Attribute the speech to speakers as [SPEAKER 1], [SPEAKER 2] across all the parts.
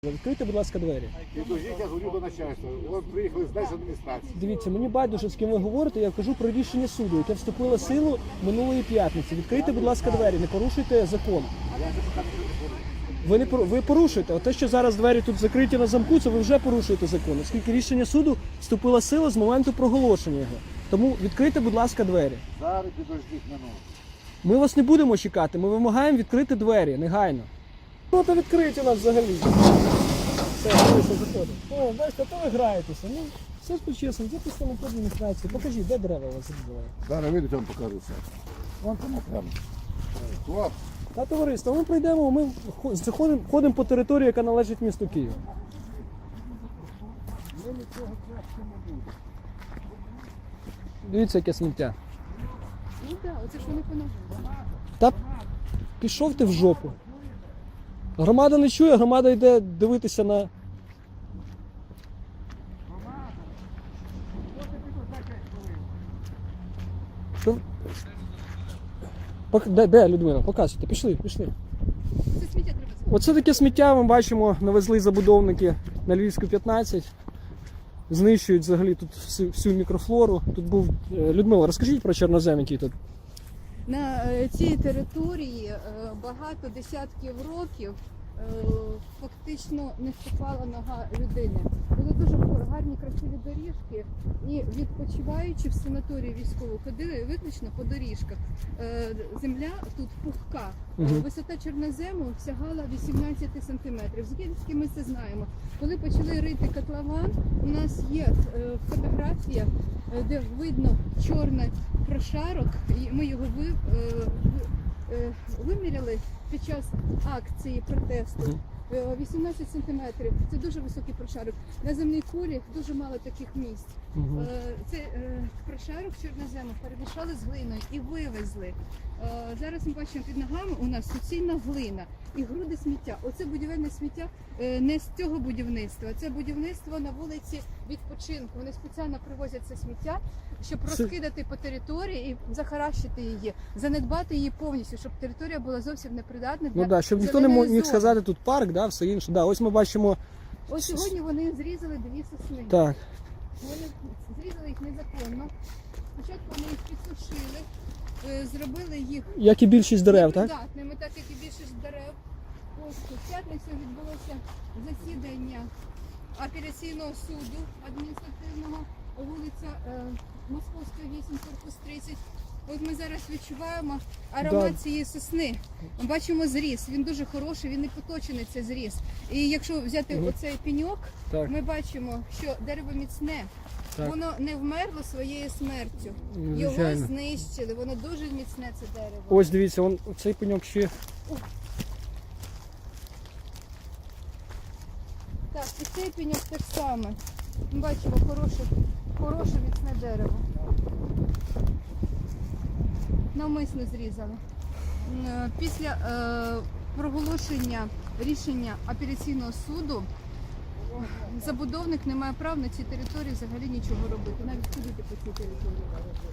[SPEAKER 1] Відкрийте, будь ласка, двері.
[SPEAKER 2] Підождіть, я говорю до начальства. От приїхали з адміністрації.
[SPEAKER 1] Дивіться, мені байдуже, з ким ви говорите, я кажу про рішення суду, яке вступило в силу минулої п'ятниці. Відкрийте, будь ласка, двері, не порушуйте закон. Ви порушуєте. Те, що зараз двері тут закриті на замку, це ви вже порушуєте закон, оскільки рішення суду вступило в силу з моменту проголошення його. Тому відкрийте, будь ласка, двері.
[SPEAKER 2] Зараз підождіть минуту.
[SPEAKER 1] Ми вас не будемо чекати, ми вимагаємо відкрити двері, негайно. Ну, то відкриють у нас взагалі. Все, заходить. О, бачите, то ви граєтеся. Ну, все ж по-чесному, це представник адміністрації. Покажіть, де дерева у вас зрізали?
[SPEAKER 2] Зараз вийдуть, я вам покажу все. Вон там прямо. Хлоп.
[SPEAKER 1] Та товариство, ми прийдемо, ми ходимо по території, яка належить місту Києву. Дивіться, яке сміття.
[SPEAKER 3] Ну так, оце ж вони поновили.
[SPEAKER 1] Та пішов ти в жопу. Громада не чує, громада йде дивитися на... Що? Де, Людмила? Показуйте, пішли.
[SPEAKER 3] Це сміття треба збирати.
[SPEAKER 1] Оце таке сміття ми бачимо, навезли забудовники на Львівську 15. Знищують взагалі тут всю мікрофлору. Тут був... Людмила, розкажіть про чорнозем, який тут.
[SPEAKER 3] На цій території багато десятків років фактично не ступала нога людини. Були дуже гарні, красиві доріжки, і відпочиваючи в санаторії військову ходили виключно по доріжках. Земля тут пухка. Висота чорнозему сягала 18 сантиметрів. Звідки ми це знаємо? Коли почали рити котлован, у нас є фотографія, де видно чорний прошарок, і ми його виміряли під час акції протесту. 18 сантиметрів. Це дуже високий прошарок. На земній кулі дуже мало таких місць. Цей прошарок чорнозему перемішали з глиною і вивезли. Зараз ми бачимо під ногами у нас суцільна глина і груди сміття. Оце будівельне сміття не з цього будівництва. Це будівництво на вулиці відпочинку. Вони спеціально привозять це сміття, щоб розкидати по території і захаращити її, занедбати її повністю, щоб територія була зовсім непридатна для
[SPEAKER 1] Ну так, щоб ніхто не міг сказати тут парк, да, все інше. Да, ось ми бачимо...
[SPEAKER 3] Ось сьогодні вони зрізали дві сосни.
[SPEAKER 1] Так.
[SPEAKER 3] Вони зрізали їх незаконно. Спочатку вони їх підсушили, зробили їх
[SPEAKER 1] Як і більшість дерев, так?
[SPEAKER 3] непридатними, так як і більшість дерев. Ось в п'ятницю відбулося засідання апеляційного суду адміністративного, вулиця Московська 8, корпус 30. От ми зараз відчуваємо аромат цієї сосни. Ми бачимо зріз, він дуже хороший, він не поточений, цей зріз. І якщо взяти оцей пеньок, ми бачимо, що дерево міцне.
[SPEAKER 1] Так.
[SPEAKER 3] Воно не вмерло своєю смертю. Його
[SPEAKER 1] Звичайно.
[SPEAKER 3] знищили, воно дуже міцне, це дерево.
[SPEAKER 1] Ось дивіться, цей пеньок ще...
[SPEAKER 3] Так, і цей пеньок так само. Ми бачимо хороше міцне дерево. Навмисно зрізали. Після проголошення рішення апеляційного суду забудовник не має права на цій території взагалі нічого робити, навіть ходити по цій території.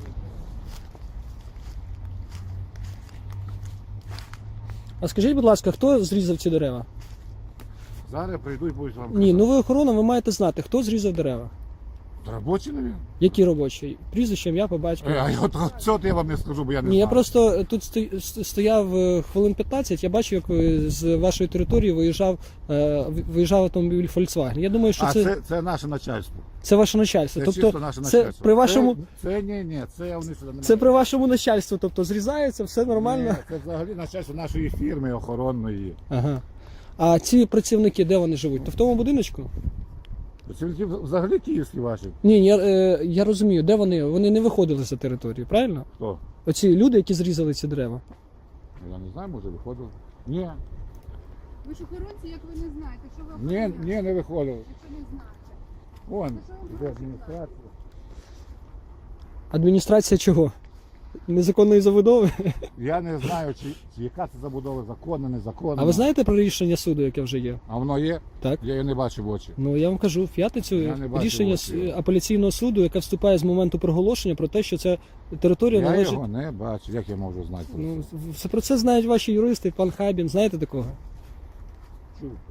[SPEAKER 1] А скажіть, будь ласка, хто зрізав ці дерева?
[SPEAKER 2] Зараз прийду і будуть вам
[SPEAKER 1] Ні, ну ви охорона, ви маєте знати, хто зрізав дерева.
[SPEAKER 2] Робочі, мабуть?
[SPEAKER 1] Які робочі? Прізвище, ім'я, по батькові.
[SPEAKER 2] Цього я вам не скажу, бо я не
[SPEAKER 1] Ні,
[SPEAKER 2] знаю.
[SPEAKER 1] я просто тут стояв хвилин 15, я бачив, як з вашої території виїжджав автомобіль Volkswagen. Я думаю, що
[SPEAKER 2] це наше начальство.
[SPEAKER 1] це ваше начальство.
[SPEAKER 2] Це
[SPEAKER 1] Тобто
[SPEAKER 2] чисто наше
[SPEAKER 1] це
[SPEAKER 2] начальство.
[SPEAKER 1] при вашому
[SPEAKER 2] Це вони сюди не
[SPEAKER 1] це при вашому начальству, тобто зрізається, все нормально.
[SPEAKER 2] Ні, це взагалі начальство нашої фірми охоронної.
[SPEAKER 1] Ага. А ці працівники, де вони живуть? То в тому будиночку?
[SPEAKER 2] Працівники взагалі київські ваші.
[SPEAKER 1] Ні, я розумію, де вони? Вони не виходили за територію, правильно?
[SPEAKER 2] Хто?
[SPEAKER 1] Оці люди, які зрізали ці дерева.
[SPEAKER 2] Я не знаю, може виходили. Ні,
[SPEAKER 3] Ви ж охоронці, як ви не знаєте, що ви охороняєте,
[SPEAKER 2] ні, не виходили.
[SPEAKER 3] якщо не знаєте.
[SPEAKER 2] Вон, іде адміністрація.
[SPEAKER 1] Адміністрація чого? Незаконної забудови?
[SPEAKER 2] Я не знаю, чи яка це забудова, законна, незаконна.
[SPEAKER 1] А ви знаєте про рішення суду, яке вже є?
[SPEAKER 2] А воно є?
[SPEAKER 1] Так.
[SPEAKER 2] Я її не бачу в очі.
[SPEAKER 1] Ну, я вам кажу, в п'ятницю
[SPEAKER 2] Я не бачив
[SPEAKER 1] рішення
[SPEAKER 2] очі.
[SPEAKER 1] апеляційного суду, яке вступає з моменту проголошення про те, що ця територія
[SPEAKER 2] Я
[SPEAKER 1] належить...
[SPEAKER 2] його не бачу. Як я можу знати про
[SPEAKER 1] Ну,
[SPEAKER 2] це?
[SPEAKER 1] про це знають ваші юристи, пан Хабін, знаєте такого?
[SPEAKER 2] Чув.